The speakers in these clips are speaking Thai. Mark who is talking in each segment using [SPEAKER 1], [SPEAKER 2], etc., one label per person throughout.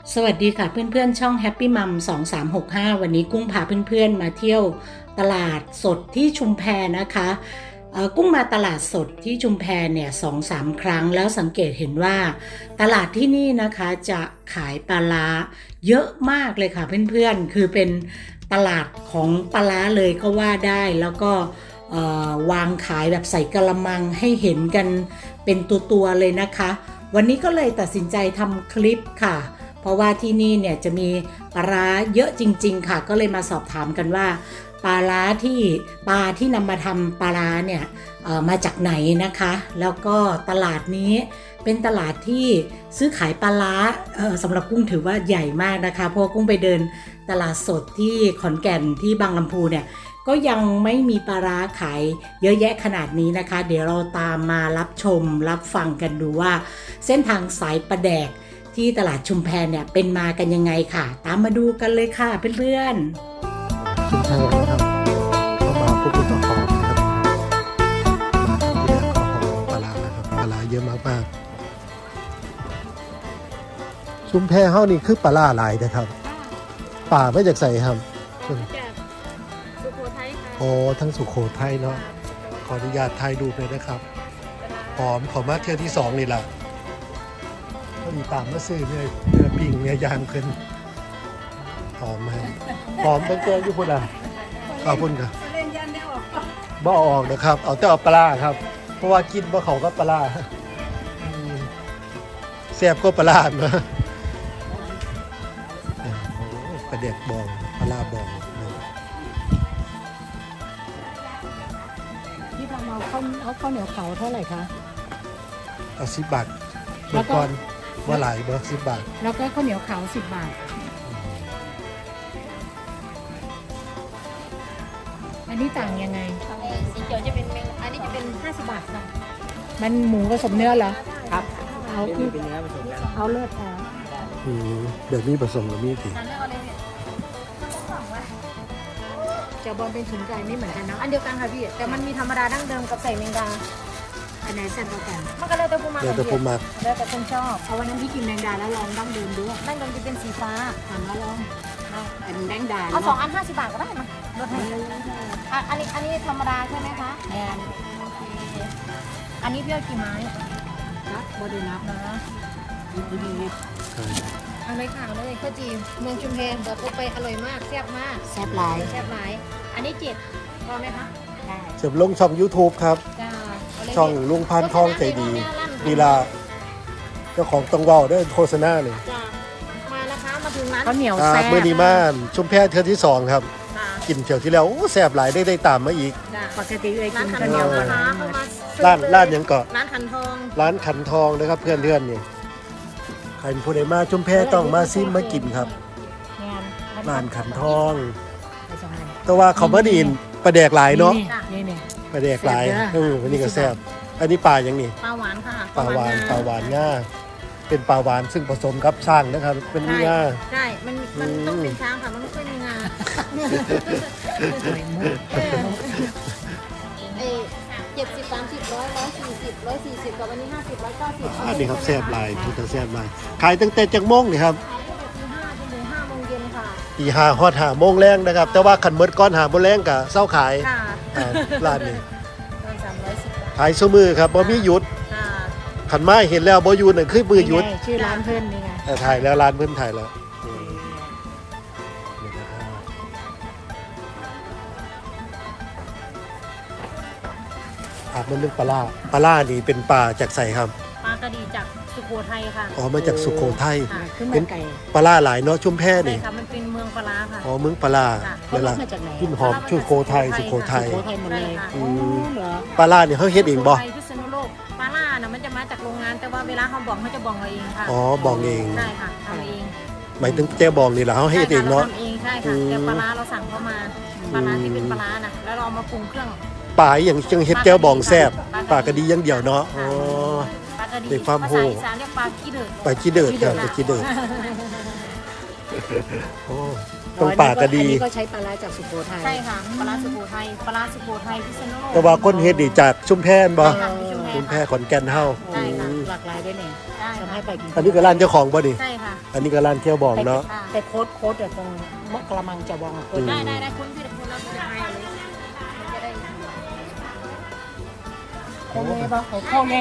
[SPEAKER 1] สวัสดีค่ะเพื่อนๆช่อง Happy Mum 2365วันนี้กุ้งพาเพื่อนๆมาเที่ยวตลาดสดที่ชุมแพนะคะกุ้งมาตลาดสดที่ชุมแพเนี่ย2-3 ครั้งแล้วสังเกตเห็นว่าตลาดที่นี่นะคะจะขายปลาร้าเยอะมากเลยค่ะเพื่อนๆคือเป็นตลาดของปลาร้าเลยก็ว่าได้แล้วก็วางขายแบบใส่กระมังให้เห็นกันเป็นตัวๆเลยนะคะวันนี้ก็เลยตัดสินใจทำคลิปค่ะเพราะว่าที่นี่เนี่ยจะมีปลาร้าเยอะจริงๆค่ะก็เลยมาสอบถามกันว่าปลาที่นำมาทำปลาร้าเนี่ยมาจากไหนนะคะแล้วก็ตลาดนี้เป็นตลาดที่ซื้อขายปลาร้าสำหรับกุ้งถือว่าใหญ่มากนะคะเพราะกุ้งไปเดินตลาดสดที่ขอนแก่นที่บางลำพูเนี่ยก็ยังไม่มีปลาร้าขายเยอะแยะขนาดนี้นะคะเดี๋ยวเราตามมารับชมรับฟังกันดูว่าเส้นทางสายปลาแดกที่ตลาดชุมแพเนี่ยเป็นมากันยังไงค่ะตามมาดูกันเลยค่ะเพื่อนๆ
[SPEAKER 2] ชุมแพนะครับเข้ามาพบกับเจ้าของนะครับมาทำที่แรกก็หอมปลาร้านะครับปลาร้าเยอะมากๆชุมแพเฮานี่คือปลาร้าหลายนะครับป่าไม่จากใส่ครับ
[SPEAKER 3] สุโขทัยค่ะ
[SPEAKER 2] อ๋อทั้งสุโขทัยเนาะขออนุญาตถ่ายรูปเลยนะครับหอมขอมาเที่ยวที่2นี่ล่ะมีตามมาซื้อเนื้อปิ้งเนื้อย่างขึ้นหอมไหมหอมเป็นตัวอยู่พุ่นอ่ะขอบคุณครับบ่ออกนะครับเอาแต่เอาปลาครับเพราะว่ากินบ่เขาก็ปลาแซ่บก็ปลาเนาะปลาเด็กบองปลาบอง
[SPEAKER 1] ที่ทำเอาข้าวเหนียวเผาเท่าไหร่คะ
[SPEAKER 2] เอา10 บาทแล้วก่อนว่าหลายบ่10 บาท
[SPEAKER 1] แล้วก็ข้าวเหนียวขาว10 บาทอันนี้ต่างยังไง
[SPEAKER 3] สีเขียวจะเป็นอันนี้จะเป็น50 บาทค่ะ
[SPEAKER 1] มันหมูผสมเนื้อเหรอ
[SPEAKER 3] ครับ
[SPEAKER 1] เอาคือเป็นเนื้อผสมกันเอาเลือดแท้
[SPEAKER 2] แบบนี้ผสมกับมีดสิ
[SPEAKER 1] จะบอลเป็นฉุนไก่ไม่เหมือนกันเนาะ
[SPEAKER 3] อันเดียวกันค่ะพี่แต่มันมีธรรมดาดั้งเดิมกับใส่แมงดา
[SPEAKER 1] อันไหนแซ่บกว่ากัน
[SPEAKER 3] มันก็เลยแต่ผู้มา
[SPEAKER 2] แล้วแต่ผู้มา
[SPEAKER 3] แล้วแต่คนชอบ
[SPEAKER 1] เอาวันนั้นพี่กินแมงดาแล้วลองดั้งเดิมดู
[SPEAKER 3] ดั้งเดิมจะเป็นสีฟ้า
[SPEAKER 1] ถามว่าลองอันแมงดา
[SPEAKER 3] เอา2 อัน50 บาทก็ได้มาลดให้อันนี้ธรรมดาใช่ไหมคะ
[SPEAKER 1] แอน
[SPEAKER 3] อันนี้พี่เอากี่ไม้
[SPEAKER 1] นับบ่ได้นับนะ
[SPEAKER 3] ดีเอาเลยค่ะเลยข้าวจีเมืองชุมแพบอกว่าไปอร่อยมากแซ่บมาก
[SPEAKER 1] แซ่บหลาย
[SPEAKER 3] อันนี้7พอไหมคะ
[SPEAKER 1] ได้
[SPEAKER 2] เสร็จลงช่อง YouTube ครับช่องลุงพันทองใจดีลีลาเจ้าของต้องเว้าได้โฆษณาเลย
[SPEAKER 3] มานะคะมาถึงร้าน
[SPEAKER 1] ข้าวเหนียวแซ่บ
[SPEAKER 2] เมื่อนี้มาชุมแพเที่ยวที่2ครับกินเที่ยวที่แล้วแซ่บหลายได้ตามมาอีก
[SPEAKER 1] ปกติเลยกิน
[SPEAKER 3] ข้าวเหนียวนะคะ
[SPEAKER 2] ร้านยังเกาะ
[SPEAKER 3] ร้านขันทอง
[SPEAKER 2] นะครับเพื่อนนี่ใครผู้ใดมาชุมแพต้องมาซิมมากินครับร้านขันทองแต่ว่าเขามาดีนปลาแดกหลายเนาะปลาแดกหลายวันนี้ก็แซ่บอันนี้ปลาอย่างนี้
[SPEAKER 3] ปลาหวานค่ะ
[SPEAKER 2] ปลาหวานง่าเป็นปลาหวานซึ่งผสมกับช้างนะครับเป็นง่า
[SPEAKER 3] ใช่มันต้องเป็นช้างค่ะมันไม่ค่อยมีงา70 30 100 140 กับวันนี้50 190
[SPEAKER 2] อันนี้ครับแซ่บหลายพุทธแซ่บหลายขายตั้งแต่จักโมงนี่ครับ
[SPEAKER 3] 5 โมงเย็นค่ะ
[SPEAKER 2] ตี5 ฮอด5 โมงแรงนะครับแต่ว่าขันเมิดก้อน5 โมงแรงกับเศร้าขายร้านนี้ขายซุมือครับบ่มีหยุดขันไม้เห็นแล้วบ่หยุดนั่นคือมือหยุด
[SPEAKER 1] ชื่อร้านเพิ่นนี่ไง
[SPEAKER 2] ถ่ายแล้วร้านเพิ่นถ่ายแล้วมันเรื่องปลานี่เป็นปลาจากใส่ครับ
[SPEAKER 3] ปลากระดีจากสุโขทัยค่ะ
[SPEAKER 2] อ๋อมาจากสุโขทัย
[SPEAKER 1] เป็น
[SPEAKER 2] ปลาหลายเนาะชุมแพนี่
[SPEAKER 3] ค่ะมันเป็นเมืองปลาค่ะ
[SPEAKER 2] อ๋อเมืองปลาเวลากินหอมสุโขทัย
[SPEAKER 1] สุโขทัยหมดเลย
[SPEAKER 2] ปลานี่เขาเฮ็ดเองบ่
[SPEAKER 3] พิษณุโลกปลาน่ะมันจะมาจากโรงงานแต่ว่าเวลาเขาบอกเขาจะบอกเราเองค่ะ
[SPEAKER 2] อ๋อบอกเอง
[SPEAKER 3] ใช่ค่ะทำเอง
[SPEAKER 2] หมายถึงแจ้บองนี่แหละเขาเฮ็ดเองเนาะ
[SPEAKER 3] ทำเองใช่ค่ะแต่ปลาเราสั่งเข้ามาปลาที่เป็นปลาน่ะแล้วเรามาปรุงเครื่อง
[SPEAKER 2] ปลาอย่างจังเฮ็ดแจ้วบองแซ่บปลากระดีอย่างเดียวเนาะอ๋อ
[SPEAKER 3] เด็ก
[SPEAKER 2] ความโห
[SPEAKER 3] ปลาขี้เดือด
[SPEAKER 2] ปลาขี้เดือดครับปลาขี้เดือดโอ้ต้องปลากระดี
[SPEAKER 1] ก็ใช้ปลาจากสุโขทัย
[SPEAKER 3] ใช่ค่ะปลาสุโขทัยพิษณุโลก
[SPEAKER 2] แต่ว่าคนเฮ็ดนี่จากชุมแพบ่ชุมแพขอนแก่นเฮา
[SPEAKER 1] หลากหลายด้วยเนี่ยสบให้ไปกิน
[SPEAKER 2] อันนี้ก็ร้านเจ้าของป่ะนี่
[SPEAKER 3] ใช่ค่ะ
[SPEAKER 2] อันนี้ก็ร้านเที่ยวบองเนาะ
[SPEAKER 1] ไปโค้ดเดี๋ยวตรงกระมังจะวองโค้ด
[SPEAKER 3] ได้คุณพี่คุณเราจะให้เลยมันจะได้
[SPEAKER 1] โคเลปะโคเล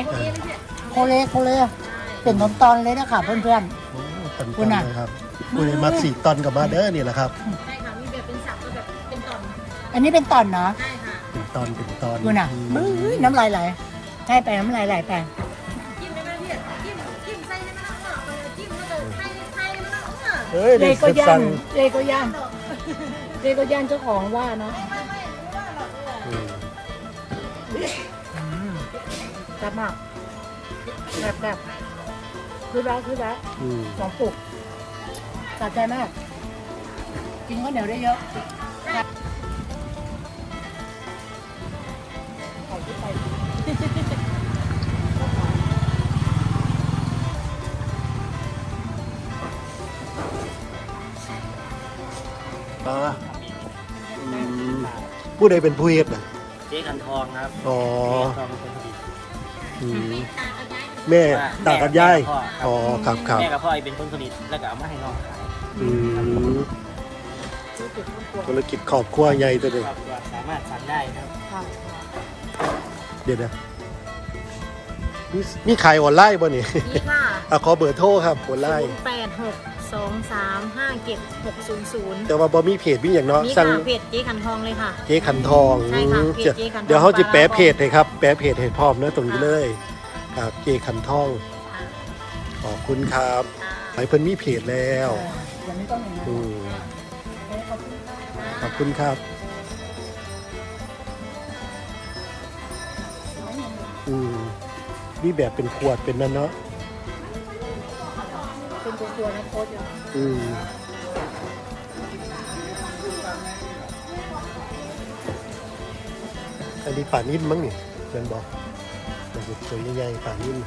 [SPEAKER 1] เป็นน้ำตอนเลยนะคะเพื่อน
[SPEAKER 2] โอ้ตันๆเลยครับคุณมัก4 ตอนกับมาเด้อนี่แหละครับ
[SPEAKER 3] ใช่ค่ะมีแบบเป็นสับก็แบบเป็นตอน
[SPEAKER 1] ๆอันนี้เป็นตอนเนาะ
[SPEAKER 3] ใช่ค่ะ
[SPEAKER 2] เป็นตอน
[SPEAKER 1] คุณอ่ะมือน้ำลายไหลใช่ไปน้ำลายไหลไป
[SPEAKER 3] จิ้มได้ไหมพี่จิ้มใส่ให้มันออกไปเลยจิ้มแล้วก็ไข่มันออกมา
[SPEAKER 2] เฮ้ย
[SPEAKER 1] เล
[SPEAKER 2] นี่
[SPEAKER 1] ยก็ย่า
[SPEAKER 2] สั่
[SPEAKER 1] น
[SPEAKER 2] ง
[SPEAKER 1] เลยก็ย่านเจ้าของว่าเนาะ
[SPEAKER 2] อืม
[SPEAKER 1] แซ่บมากแบบคือแล้ว
[SPEAKER 2] อืม
[SPEAKER 1] สองปุกสะใจมาก กินข้าวเหนียวได้เยอะใส่ที่ไป
[SPEAKER 2] อ่าผู้ใดเป็นผู้เฮ็ดน่ะ
[SPEAKER 4] เจ๊ขันทองครับ
[SPEAKER 2] อ๋อ
[SPEAKER 4] เจ๊ขันทองเป็นคนผลิต
[SPEAKER 2] อืมแม่ตากับยายอ๋อครับ
[SPEAKER 4] แม่กับพ่อเป็นคนผลิตแล้วก็เอามาให้น้องขาย
[SPEAKER 2] อืมธุรกิจครอบครัวใหญ่ตัวเดียว
[SPEAKER 4] ครอบครัวสามารถสั่งได้ครับ
[SPEAKER 2] เดี๋ยวนะมีขายออนไลน์บ่นี่
[SPEAKER 3] นี่ค่ะ
[SPEAKER 2] อ่ะขอเบอร์โทรครับออนไลน์
[SPEAKER 3] 0862357000
[SPEAKER 2] แต่ว่าบ่มีเพจมีอย่างเนาะ
[SPEAKER 3] นี่
[SPEAKER 2] สั่ง
[SPEAKER 3] ค่ะเพจเจ๊ขันทองเลยค่ะ
[SPEAKER 2] เจ๊ขันทอง
[SPEAKER 3] ใช่ค่ะเพจเจ๊ขันทอง
[SPEAKER 2] เดี๋ยวเขาจะแปะเพจให้ครับ แปะเพจให้พร้อมนะตรงนี้เลยครับเจ๊ขันทองขอบคุณครับไอ้เพิ่นมีเพจแล้ว
[SPEAKER 1] ยังไม่ต้องอย่างนั้น
[SPEAKER 2] อืมขอบคุณครับอืมนี่แบบเป็นขวดเป็นนั่นเนาะ
[SPEAKER 1] เป็นตัวนะโค้ดอยู่
[SPEAKER 2] อืมอันนี้ป่านิ่มมั้งนี่เพื่อนบอกมันจะตัวใหญ่ๆป่านิ่ม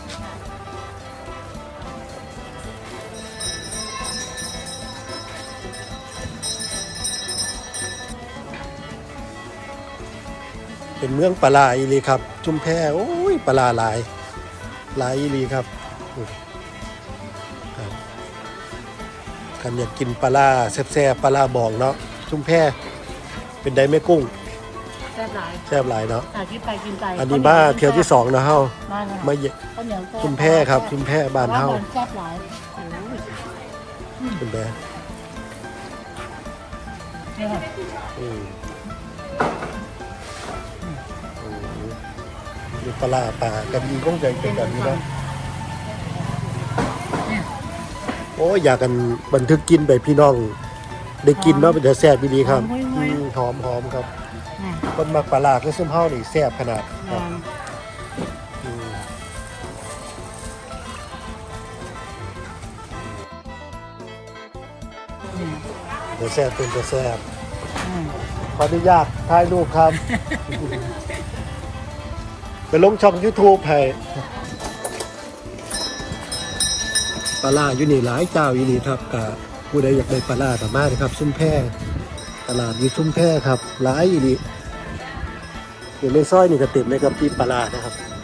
[SPEAKER 2] เป็นเมืองปลาอีหลีครับ จุมแพโอ้ยปลาหลายอีหลีครับครับกันอยากกินปลาแซ่บๆปลาบองเนาะจุมแพเป็นไดแม่กุ้ง
[SPEAKER 1] แซ่บหลาย
[SPEAKER 2] แซ่บหลายเนาะ
[SPEAKER 1] กินไปกินไป
[SPEAKER 2] อันนี้มาเที่ยวที่2นะเฮา
[SPEAKER 1] มาเลย
[SPEAKER 2] มาเย
[SPEAKER 1] ข้าวเหนียวแซ่บ
[SPEAKER 2] จุมแพครับจุมแพบ้านเฮา
[SPEAKER 1] แซ่บหลาย
[SPEAKER 2] เป็นได
[SPEAKER 1] นี่ค่ะ
[SPEAKER 2] อืมมีปลากันดีก้องใจเป็นแบบนี้เนาะโอ้ยอยากกันบันทึกกินไปพี่น้อง ได้กินเนาะเป็นแต่แซ่บดีครับหอมครับ คนมักปลาก็ซุ่มเฮานี่แซ่บขนาดครับอืมเดี๋ยวแซ่บเป็นแซ่บขออนุญาตถ่ายรูปครับ ไปลงช่อง YouTube ให้ปลาอยู่นี่หลายเจ้าอยู่นี่ครับกับผู้ใดอยากได้ปลาสามารถนะครับซุ่มแพร่ตลาดอยู่ซุ่มแพร่ครับหลายอยู่นี่อยู่ในซอยนี่ก็เต็มเลยครับที่ปลานะครับ